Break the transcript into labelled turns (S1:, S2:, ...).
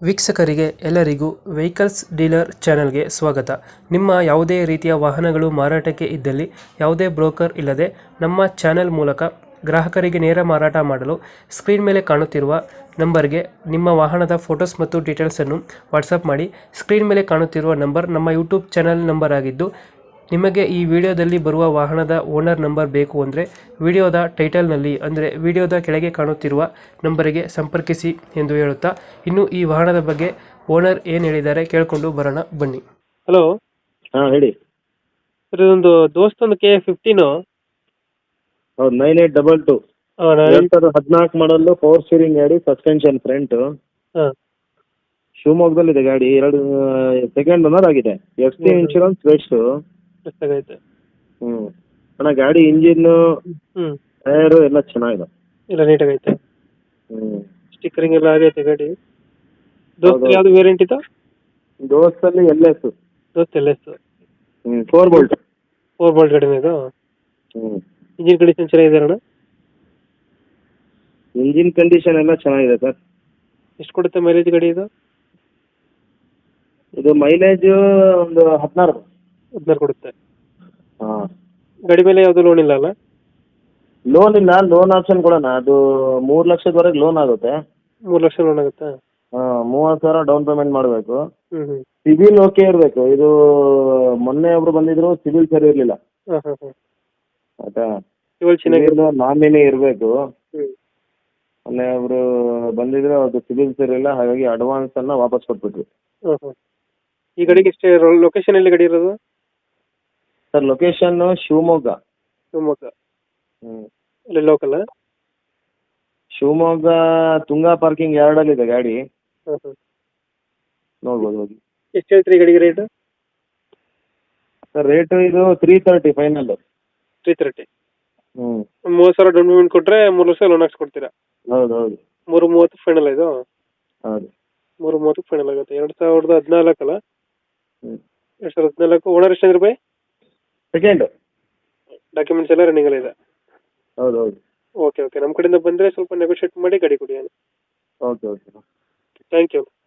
S1: ವೀಕ್ಷಕರಿಗೆ ಎಲ್ಲರಿಗೂ vehicles dealer ಚಾನೆಲ್ಗೆ ಸ್ವಾಗತ. ನಿಮ್ಮ ಯಾವುದೇ ರೀತಿಯ ವಾಹನಗಳು ಮಾರಾಟಕ್ಕೆ ಇದ್ದಲ್ಲಿ ಯಾವುದೇ ಬ್ರೋಕರ್ ಇಲ್ಲದೆ ನಮ್ಮ ಚಾನೆಲ್ ಮೂಲಕ ಗ್ರಾಹಕರಿಗೆ ನೇರ ಮಾರಾಟ ಮಾಡಲು ಸ್ಕ್ರೀನ್ ಮೇಲೆ ಕಾಣುತ್ತಿರುವ ನಂಬರ್ಗೆ ನಿಮ್ಮ ವಾಹನದ ಫೋಟೋಸ್ ಮತ್ತು ಡೀಟೇಲ್ಸನ್ನು ವಾಟ್ಸಪ್ ಮಾಡಿ. ಸ್ಕ್ರೀನ್ ಮೇಲೆ ಕಾಣುತ್ತಿರುವ ನಂಬರ್ ನಮ್ಮ ಯೂಟ್ಯೂಬ್ ಚಾನೆಲ್ ನಂಬರ್ ಆಗಿದ್ದು, ನಿಮಗೆ ಈ ವಿಡಿಯೋದಲ್ಲಿ ಬರುವ ವಾಹನದ ಓನರ್ ನಂಬರ್ ಬೇಕು ಅಂದರೆ ವಿಡಿಯೋದ ಟೈಟಲ್ನಲ್ಲಿ ಅಂದರೆ ವಿಡಿಯೋದ ಕೆಳಗೆ ಕಾಣುತ್ತಿರುವ ನಂಬರಿಗೆ ಸಂಪರ್ಕಿಸಿ ಎಂದು ಹೇಳುತ್ತಾ, ಇನ್ನು ಈ ವಾಹನದ ಬಗ್ಗೆ ಓನರ್ ಏನು ಹೇಳಿದ್ದಾರೆ ಕೇಳಿಕೊಂಡು ಬರೋಣ ಬನ್ನಿ. ಹಲೋ
S2: ಹಾಂ ಹೇಳಿ.
S1: ಸರ್, ಇದೊಂದು ದೋಸ್ತೊಂದು KA15
S2: ಹೌದು 9822 2014 ಮಾಡಲು ಪವರ್ ಸ್ಟೀರಿಂಗ್ ಗಾಡಿ, ಸಸ್ಪೆನ್ಷನ್ ಫ್ರಂಟ್, ಶಿವಮೊಗ್ಗದಲ್ಲಿದೆ ಗಾಡಿ. ಸೆಕೆಂಡ್ ಓನರ್ ಆಗಿದೆ. FC insurance based.
S1: ಎಷ್ಟಾಗೈತೆ?
S2: ಅಣ್ಣ ಗಾಡಿ ಇಂಜಿನ್ ಟೈರು ಎಲ್ಲ ಚೆನ್ನಾಗಿದೆ.
S1: ಇಲ್ಲ ನೀಟಾಗೈತೆ.
S2: ಹ್ಞೂ
S1: ಸ್ಟಿಕ್ಕರಿಂಗ್ ಎಲ್ಲ ಆಗೈತೆ ಗಾಡಿ. ದೋಸ್ತ ಯಾವುದು ವೇರಿಯಂಟ್ ಇದು?
S2: ದೋಸ್ತಲ್ಲಿ LS.
S1: Dost LS
S2: 4 bolt.
S1: 4 bolt ಗಾಡಿನ ಇದು? ಇಂಜಿನ್ ಕಂಡೀಷನ್ ಚೆನ್ನಾಗಿದೆ ಅಣ್ಣ?
S2: ಇಂಜಿನ್ ಕಂಡೀಷನ್ ಎಲ್ಲ ಚೆನ್ನಾಗಿದೆ ಸರ್.
S1: ಎಷ್ಟು ಕೊಡುತ್ತೆ ಮೈಲೇಜ್ ಗಾಡಿ ಇದು?
S2: ಇದು ಮೈಲೇಜ್ ಒಂದು 16
S1: ಕೊಡುತ್ತೆ.
S2: ಹಾಂ.
S1: ಗಾಡಿ ಮೇಲೆ ಯಾವುದು ಲೋನ್ ಇಲ್ಲ ಅಲ್ಲ?
S2: ಲೋನ್ ಇಲ್ಲ, ಲೋನ್ ಆಪ್ಷನ್ ಕೊಡೋಣ. ಅದು 3 ಲಕ್ಷದವರೆಗೆ ಲೋನ್ ಆಗುತ್ತೆ.
S1: 3 ಲಕ್ಷ ಲೋನ್ ಆಗುತ್ತಾ?
S2: ಹಾಂ, 30,000 ಡೌನ್ ಪೇಮೆಂಟ್ ಮಾಡಬೇಕು.
S1: ಹ್ಞೂ.
S2: ಸಿಬಿಲ್ ಓಕೆ ಇರಬೇಕು. ಇದು ಮೊನ್ನೆ ಒಬ್ರು ಬಂದಿದ್ರು, ಸಿಬಿಲ್ ಸರಿ ಇರಲಿಲ್ಲ.
S1: ಹಾಂ.
S2: ಆಯ್ತಾ?
S1: ಚೆನ್ನಾಗಿ
S2: ನಾಮಿನಿ ಇರಬೇಕು.
S1: ಹ್ಞೂ.
S2: ಮೊನ್ನೆ ಒಬ್ರು ಬಂದಿದ್ರು, ಅದು ಸಿಬಿಲ್ ಸರಿ ಇಲ್ಲ, ಹಾಗಾಗಿ ಅಡ್ವಾನ್ಸ್ ಅನ್ನ ವಾಪಸ್ ಕೊಟ್ಬಿಟ್ವಿ.
S1: ಹಾಂ. ಈ ಗಾಡಿಗೆ ಎಷ್ಟೇ ಲೊಕೇಶನ್ ಎಲ್ಲಿ ಗಾಡಿ ಇರೋದು?
S2: Sir, location Shivamogga.
S1: ಶಿವಮೊಗ್ಗ ಅಲ್ಲಿ ಲೋಕಲ್?
S2: ಶಿವಮೊಗ್ಗ ತುಂಗಾ ಪಾರ್ಕಿಂಗ್ ಯಾರ್ಡಲ್ಲಿದೆ ಗಾಡಿ. ನೋಡ್ಬೋದು ಹೋಗಿ.
S1: ಎಷ್ಟು ಹೇಳ್ತೀರಿ ಗಾಡಿಗೆ ರೇಟ್?
S2: ಸರ್, ರೇಟು ಇದು 330 ಫೈನಲ್.
S1: 330. 30,000 ಡೌನ್ ಪೇಮೆಂಟ್ ಕೊಟ್ಟರೆ 3 ಲಕ್ಷ ಲೋನ್ ಹಾಕ್ಸ್ಕೊಡ್ತೀರಾ?
S2: ಹೌದು.
S1: 330 ಫೈನಲ್ ಇದು?
S2: ಹೌದು.
S1: 330 ಫೈನಲ್ ಆಗುತ್ತೆ. 2014 ಅಲ್ಲ? 2014. ಓನರ್ ಎಷ್ಟು ರೂಪಾಯಿ?
S2: ಸೆಕೆಂಡ್.
S1: ಡಾಕ್ಯುಮೆಂಟ್ಸ್ ಎಲ್ಲ ರನ್ನಿಂಗ್ ಎಲ್ಲ ಇದೆ?
S2: ಹೌದು.
S1: ಓಕೆ. ನಮ್ಮ ಕಡೆಯಿಂದ ಬಂದರೆ ಸ್ವಲ್ಪ ನೆಗೋಷಿಯೇಟ್ ಮಾಡಿ ಗಾಡಿ ಕೊಡಿ.
S2: ಓಕೆ.
S1: Thank you.